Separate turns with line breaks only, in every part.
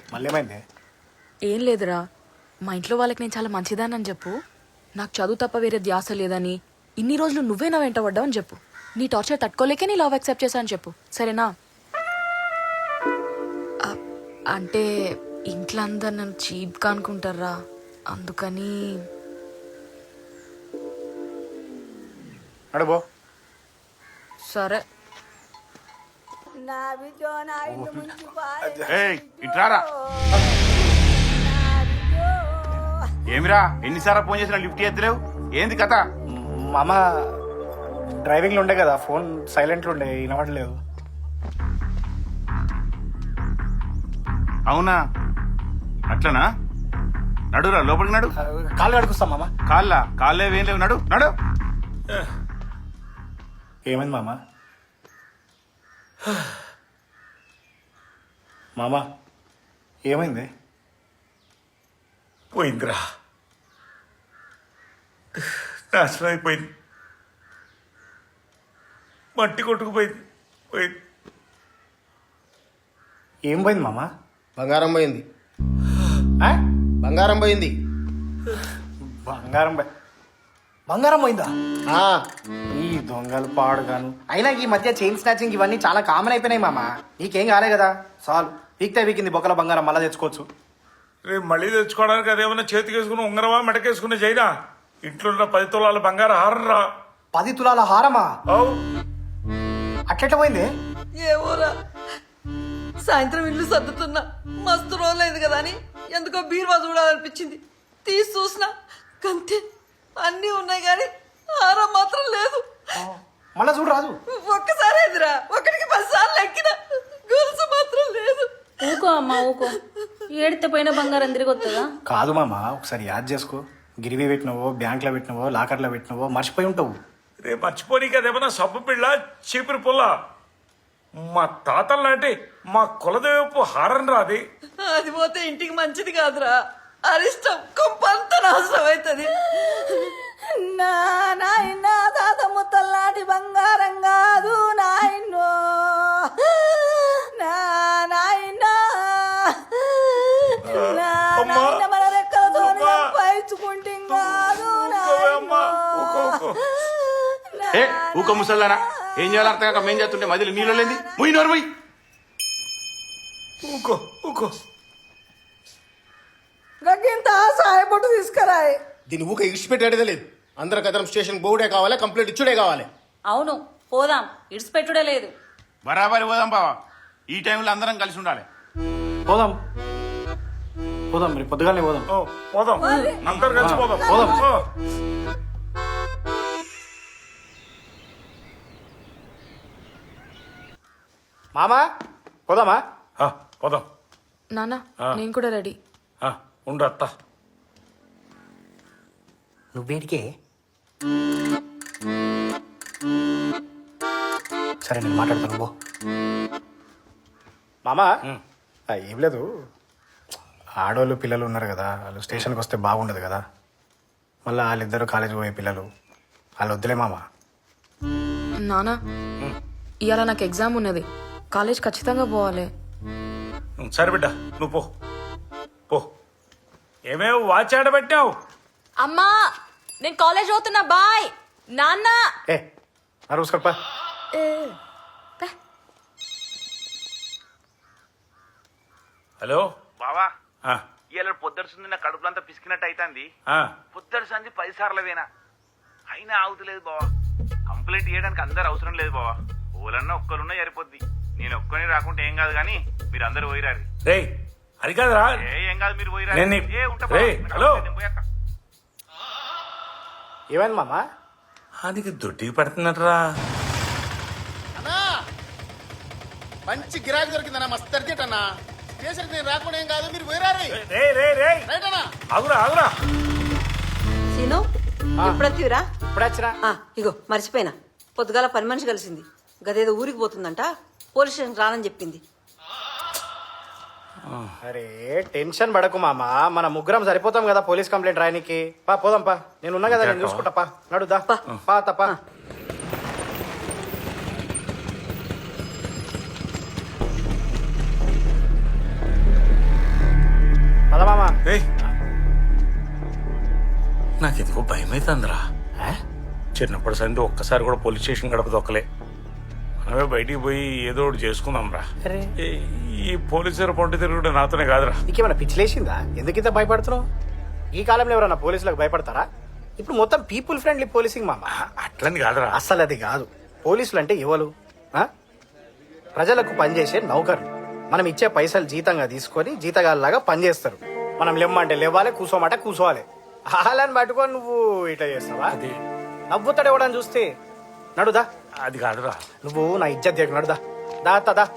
మళ్ళీ ఏమైంది?
ఏం లేదురా, మా ఇంట్లో వాళ్ళకి నేను చాలా మంచిదానని చెప్పు. నాకు చదువు తప్ప వేరే ధ్యాస లేదని, ఇన్ని రోజులు నువ్వే నా వెంట పడ్డావని చెప్పు. నీ టార్చర్ తట్టుకోలేకే నీ లవ్ యాక్సెప్ట్ చేశాను చెప్పు, సరేనా? అంటే ఇంట్లో అందరు నన్ను చీప్గా అనుకుంటారా, అందుకని.
అడుబో.
సరే.
ఇట్రారా. ఏమిరా ఎన్నిసార్లు ఫోన్ చేసినా లిఫ్ట్ చేస్తలేవు, ఏంది కథ?
మామ డ్రైవింగ్లో ఉండే కదా, ఫోన్ సైలెంట్లో ఉండే, వినవట్లేదు.
అవునా, అట్లనా? నడురా, లోపలికి నడు.
కాళ్ళు కడుకొస్తాం మామ.
కాళ్ళేవి ఏం లేవు, నడు నడు.
ఏమైంది మామ? మామ ఏమైంది?
పోయిందిరా, నాశనం అయిపోయింది, మట్టి కొట్టుకుపోయింది. పోయింది.
ఏం పోయింది మామ?
బంగారం పోయింది.
ఆ?
బంగారం పోయింది.
బంగారం పోయిందా?
ఆ,
ఈ దొంగలు పాడుగాను. అయినా ఈ మధ్య చైన్ స్నాచింగ్ ఇవన్నీ చాలా కామన్ అయిపోయినాయి మామ. నీకేం కాలే కదా, సాల్ వీక్తే వీకింది బొక్కల బంగారం మళ్ళా తెచ్చుకోవచ్చు.
రేపు మళ్ళీ తెచ్చుకోవడానికి అదేమన్నా చేతికి వేసుకుని ఉంగరమా మెడకేసుకుని చైనా? ఇంట్లో ఉన్న 10 తులాల బంగారం హారం రా.
10 తులాల హారమా?
అవు
అట్లెట్లా పోయింది?
ఏమోరా, సాయంత్రం ఇల్లు సర్దుతున్నా, మస్తు రోజులైంది కదా అని ఎందుకో బీరువా చూడాలనిపించింది. తీసి చూసిన కంతే, అన్నీ ఉన్నాయి కానీ హారం మాత్రం లేదు.
మళ్ళా చూడు రాదు.
ఒక్కసారి ఎదురా, ఒకటికి 10 సార్లు ఎక్కిన, గొలుసు మాత్రం లేదు.
ఊకో అమ్మా ఊకో, ఏడితే పోయిన బంగారం తిరిగి వస్తుందా?
కాదు మామ, ఒకసారి యాద్ చేసుకో. గిరివి పెట్టినవో, బ్యాంక్లో పెట్టినవో, లాకర్లో పెట్టినవో మర్చిపోయి ఉంటావు.
రేపు మర్చిపోనీకి అదేమన్నా సబ్బు పిల్ల, చీపురు పుల్ల. మా తాతల నాటి మా కులదేవపు హారం రాది.
అది పోతే ఇంటికి మంచిది కాదురా, అరిష్టం కొంపంత నాశనం అవుతుంది. నా నాయన తాత ముత్తల్లాంటి బంగారం కాదు నాయనో, నా నాయన మన రెక్కలతో పైచుకుంటే కాదు
ఏ ఊక ముసల్లారా, ఏం చేయాలి అర్థం కాక మేం చేస్తుంటే మధ్యలో నీళ్ళు లేని పోయి నోరు పోయి.
ఊకో ఊకో.
గగ్గింత సాయపట్టు తీసుకురాయి.
దీని ఊక ఇడిచిపెట్టేదే లేదు. అందరం కదరం స్టేషన్ బోర్డే కావాలి, కంప్లీట్ ఇచ్చుడే కావాలి.
అవును పోదాం, ఇడిచిపెట్టుడే లేదు.
బరాబరి పోదాం బావా, ఈ టైంలో అందరం కలిసి ఉండాలి.
పోదాం పోదాం, మరి పొద్దుగానే పోదాం.
ఓ, పోదాం, అందరు కలిసి పోదాం.
పోదాం.
ఓ.
మామా పోదామా?
ఆ, పోదాం.
నాన్న నేను కూడా రెడీ.
ఉండు అత్త.
నువ్వేడికే? సరే నేను మాట్లాడతాను బో. మామా ఏం లేదు, ఆడవాళ్ళు పిల్లలు ఉన్నారు కదా, వాళ్ళు స్టేషన్కి వస్తే బాగుండదు కదా. మళ్ళీ వాళ్ళిద్దరు కాలేజీ పోయే పిల్లలు, వాళ్ళు వద్దులే మామా.
నాన్న ఇవాళ నాకు ఎగ్జామ్ ఉన్నది, కాలేజ్ ఖచ్చితంగా పోవాలి.
సరే బిడ్డ, నువ్వు పో పో. ఏమేమి వాచ్ ఆడబెట్టావు?
అమ్మా నేను కాలేజ్ పోతున్నా, బాయ్. నాన్న
ఏ అరుసుకోపా.
హలో
బావా,
ఆ,
ఇలా పొద్దుడుసుంది నా కడుపులంతా పిసికినట్టు అవుతుంది.
ఆ.
పొద్దుడుసంది 10 సార్లు వేనా అయినా ఆగుతలేదు బావా. కంప్లైంట్ చేయడానికి అందరు అవసరం లేదు బావా, ఓలన్నా ఒక్కరున్నా సరిపోద్ది. నేను ఒక్కని రాకుంటే ఏం కాదు కానీ మీరు అందరు పోయిరారు.
రేయ్ అది కాదురా.
ఏం కాదు, మీరు పోయిరారు.
రేయ్, హలో.
ఏమైంది మామా?
అది దొడ్డికి పడుతున్నట్రా.
అన్నా మంచి గిరాకీ దొరికిందన్నా, మస్తు అర్జెంట్ అన్నా. స్టేషన్కి నేను రాకుండా ఏం కాదు, మీరు పోయిరారు. రైట్ అన్నా.
ఆగురా ఆగురా.
సీను ఎప్పుడొత్తివిరా?
ఇప్పుడు వచ్చినా.
ఇగో మర్చిపోయినా, పొద్దుగాల పని మనిషి కలిసింది, గదేదో ఊరికి పోతుందంట, పోలీస్ స్టేషన్ రానని చెప్పింది.
అరే టెన్షన్ పడకు మామా, మన ముగ్గురం సరిపోతాం కదా పోలీస్ కంప్లైంట్ రాయనికి. పా పోదాం పా, నేను ఉన్నా కదా, నేను చూసుకుంటా. పా నడుదా, పా తప్ప.
నాకు ఎందుకో భయం అవుతుందిరా. చిన్నప్పటి సంది ఒక్కసారి కూడా పోలీస్ స్టేషన్ గడప దొక్కలే. మనమే బయటికి పోయి ఏదో ఒకటి చేసుకుందాం రా.
అరే
ఈ పోలీసులు పొంటి తిరుగుడు నాతోనే కాదురా.
నీకేమైనా పిచ్చిలేసిందా? ఎందుకు ఇంత భయపడుతున్నావు? ఈ కాలంలో ఎవరన్నా పోలీసులకు భయపడతారా? ఇప్పుడు మొత్తం పీపుల్ ఫ్రెండ్లీ పోలీసింగ్ మామ.
అట్లని కాదురా.
అస్సలు అది కాదు. పోలీసులు అంటే ఎవరు? ఆ? ప్రజలకు పనిచేసే నౌకర్లు. మనం ఇచ్చే పైసలు జీతంగా తీసుకొని జీతగాళ్ళలాగా పనిచేస్తారు. మనం లేమ్మంటే లేవాలి, కూసోమంటే కూసోవాలి. హాలని పట్టుకొని నువ్వు ఇట్లా చేస్తావా?
అది
నవ్వుతాడు ఎవడని చూస్తే. నడుదా,
అది కాదురా.
నువ్వు నా ఇజ్జత్ దిగ. నడుదా, దా అత్త, దా.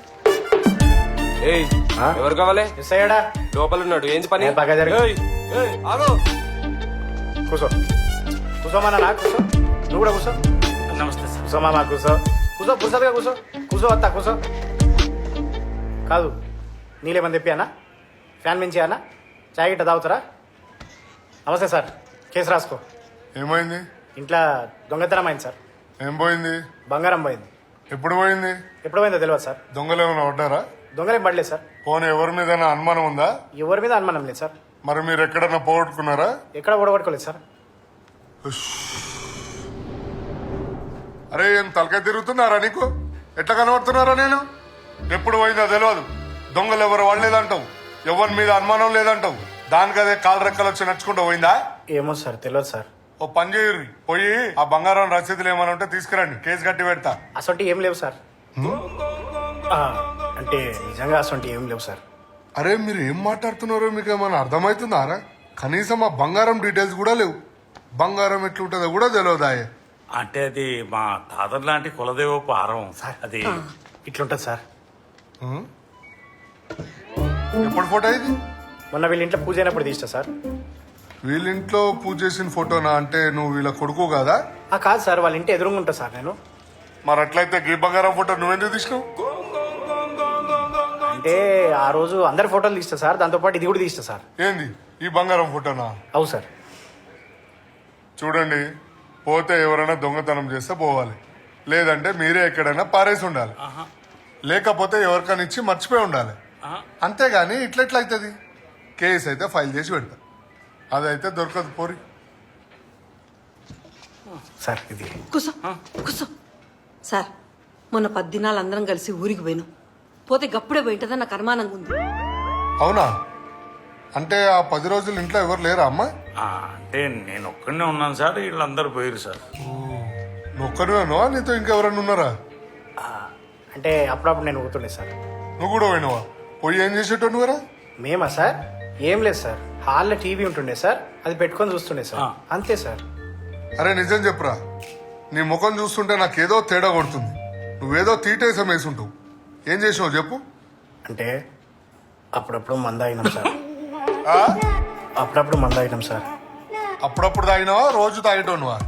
ఏయ్ ఎవరు కావాలి?
మిస్ అయ్యాడా?
లోపల ఉన్నాడు. ఏంది పని?
బాగా జరిగింది.
ఏయ్, ఏయ్, ఆగు.
కూసో, కూసోమన్నా నా కూసో. నువ్వు కూడా కూసో.
నమస్తే సార్.
కూసో మామా, కూసో. కూసో, పుసలుగా కూసో. కూసో అత్త, కూసో. కాదు, నీళ్ళేమని తెప్పానా? ఫ్యాన్ మించి అన్నా? చాయ్ గిట్ట తాగుతారా? నమస్తే సార్, కేసు రాసుకో.
ఏమైంది?
ఇంట్లో దొంగతనం అయింది సార్.
ఏం పోయింది?
బంగారం పోయింది.
ఎప్పుడు పోయింది?
ఎప్పుడు పోయిందో తెలియదు సార్.
దొంగలు ఏమైనా పడ్డారా?
దొంగలేం పడలేదు సార్.
పోనీ ఎవరి మీద అనుమానం ఉందా?
ఎవరి మీద అనుమానం లేదు సార్.
మరి మీరు ఎక్కడన్నా పోగొట్టుకున్నారా?
ఎక్కడ ఓడగొట్టుకోలేదు సార్.
అరే ఏం తలకాయ తిరుగుతున్నారా నీకు? ఎట్లా కనబడుతున్నారా నేను? ఎప్పుడు పోయిందో తెలియదు. దొంగలు ఎవరు వాడలేదంటావు, ఎవరి మీద అనుమానం లేదంటావు. దానికి అదే కాలు రెక్కలు వచ్చి నడుచుకుంటూ పోయిందా?
ఏమో సార్, తెలియదు సార్.
ఓ పని చేయరు, పోయి ఆ బంగారం రసీదులు ఏమైనా ఉంటే తీసుకురండి, కేసు కట్టి పెడతా.
అసొంటి ఏం లేవు సార్. అంటే నిజంగా అసొంటి ఏం లేవు సార్.
అరే మీరు ఏం మాట్లాడుతున్నారో మీకు ఏమైనా అర్థమవుతుందారా? కనీసం ఆ బంగారం డీటెయిల్స్ కూడా లేవు. బంగారం ఎట్లుంటుందో కూడా తెలియదాయే.
అంటే అది మా తాతర్ లాంటి కులదేవపు ఆరం. అది
ఇట్లుంటది సార్.
ఎప్పుడు ఫోటో ఇది?
మొన్న వీళ్ళ ఇంట్లో పూజ అయినప్పుడు తీస్తా సార్.
వీళ్ళింట్లో పూజ చేసిన ఫోటోనా? అంటే నువ్వు వీళ్ళ కొడుకు కదా?
కాదు సార్, వాళ్ళ ఇంటి ఎదురుగా ఉంటా సార్ నేను.
మరి అట్లయితే గీ బంగారం ఫోటో నువ్వెందుకు తీసినావు?
అంటే ఆ రోజు అందరి ఫోటోలు తీస్తా సార్, దాంతోపాటు ఇది కూడా తీస్తా సార్.
ఏంది ఈ బంగారం ఫోటోనా?
అవు సార్.
చూడండి, పోతే ఎవరైనా దొంగతనం చేస్తే పోవాలి, లేదంటే మీరే ఎక్కడైనా పారేసి ఉండాలి, లేకపోతే ఎవరికైనా ఇచ్చి మర్చిపోయి ఉండాలి. అంతేగాని ఇట్లెట్లయితుంది? కేసు అయితే ఫైల్ చేసి పెడతా, అదైతే దొరకదు. పోరి
సార్ ఇది
కూసో కూసో. సార్ మొన్న 10 దినాలు అందరం కలిసి ఊరికి పోయినాం. పోతే గప్పుడే పోయింటదని నాకు అనుమానంగా ఉంది.
అవునా? అంటే ఆ 10 రోజులు ఇంట్లో ఎవరు లేరా అమ్మా?
అంటే నేను ఒక్కడనే ఉన్నాను సార్, వీళ్ళందరూ పోయారు సార్.
నువ్వు ఒక్కరివేనా? నీతో ఇంకెవరన్నా ఉన్నారా?
అంటే అప్పుడప్పుడు నేను ఊతుండే సార్.
నువ్వు కూడా పోయినావా? పోయి ఏం చేసేటో నువ్వరా?
మేమా సార్? ఏం లేదు సార్, హాల్లో టీవీ ఉంటుండే సార్, అది పెట్టుకొని చూస్తుండే సార్, అంతే సార్.
అరే నిజం చెప్పురా, నీ ముఖం చూస్తుంటే నాకేదో తేడా కొడుతుంది. నువ్వేదో తీటేసం వేసుంటావు. ఏం చేసినావు చెప్పు.
అంటే అప్పుడప్పుడు మంద అయినాం సార్.
ఆ?
అప్పుడప్పుడు మంద అయినాం సార్.
అప్పుడప్పుడు తాగినావా? రోజు తాగేటోనువా?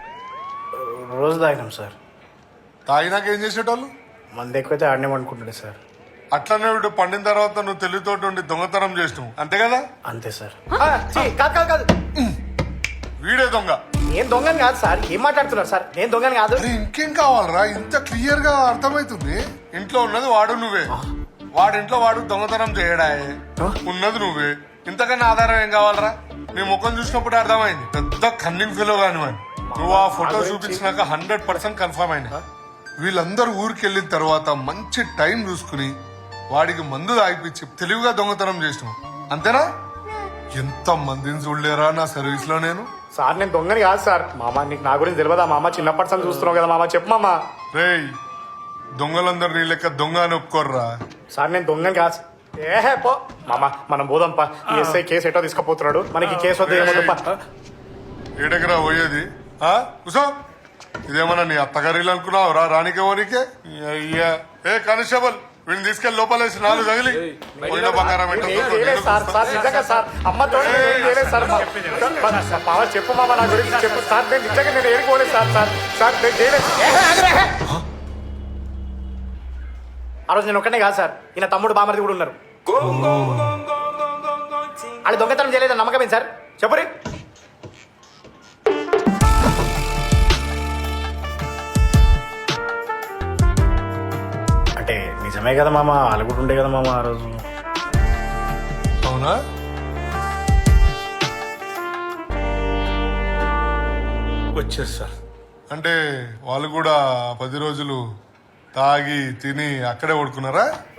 రోజు తాగినాం సార్.
తాగినాక ఏం చేసేటోళ్ళు?
మంద ఎక్కువైతే ఆడనే అనుకుంటుండే సార్.
అట్లనే వీడు పండిన తర్వాత నువ్వు తెలివితోటి ఉండి దొంగతనం చేసినావు, అంతే కదా?
అంతే సార్. కాదు కాదు కాదు,
వీడే దొంగ.
నేను దొంగని కాదు సార్. ఏం మాట్లాడుతున్నారు సార్? నేను దొంగని కాదు.
అరే ఇంకేం కావాలరా? ఇంత క్లియర్ గా అర్థమైతుంది. ఇంట్లో ఉన్నది వాడు నువ్వే, వాడింట్లో వాడు దొంగతనం చేయడాయే, ఉన్నది నువ్వే. ఇంతకన్నా ఆధారం ఏం కావాలరా? నీ ముఖం చూసినప్పుడు అర్థమైంది పెద్ద కన్నింగ్ ఫీలో కానివ్వండి. నువ్వు ఆ ఫోటో చూపించినాక 100% కన్ఫర్మ్ అయినా. వీళ్ళందరూ ఊరికి వెళ్ళిన తర్వాత మంచి టైం చూసుకుని వాడికి మందు తాగిపించి తెలివిగా దొంగతనం చేసినావు, అంతేనా? ఎంత మందిని చూడలేరా నా సర్వీస్ లో నేను.
సార్ నేను దొంగని కాదు సార్. మామ నీకు నా గురించి తెలియదా మామ? చిన్నప్పటి నుంచి చూస్తున్నావు కదా మామ, చెప్పు మామ.
రేయ్, దొంగలందరూ నీ లెక్క దొంగ అని ఒప్పుకోర్రా.
సార్ నేను దొంగని కాదు. ఏహే పో మామ, మనం పోదాంపా. ఈ ఎస్ఐ కేసు ఎటో తీసుకుపోతున్నాడు, మనకి కేసు వద్ద ఏమొద్దుపా.
ఏడకరా పోయేది? కుసో, ఇదేమన్నా నీ అత్తగారిలు అనుకున్నావు రా? రానికే ఓనికే అయ్యా. ఏ కానిస్టేబుల్, వీడిని తీసుకెళ్లి లోపలేసి 4 తగిలి పోయిన బంగారం
ఏం చేయలేదు సార్. సార్ నిజంగా సార్, అమ్మతో ఏం చేయలేదు సార్. మామ చెప్పు మామ, నా గురించి చెప్పు సార్. నేను నిజంగా నేను ఏడుకోలేదు సార్. సార్ సార్ నేను చేయలేదు. ఆ రోజు నేను ఒక్కనే కాదు సార్, ఈయన తమ్ముడు బామర్ది కూడా ఉన్నారు. అది దొంగతనం చేయలేదని నమ్మకమేం సార్? చెప్పురి. అంటే నిజమే కదా మామ, వాళ్ళు కూడా ఉండే కదా మామ ఆ రోజు.
అవునా?
వచ్చారు సార్.
అంటే వాళ్ళు కూడా 10 రోజులు తాగి తిని అక్కడే పడుకున్నారా?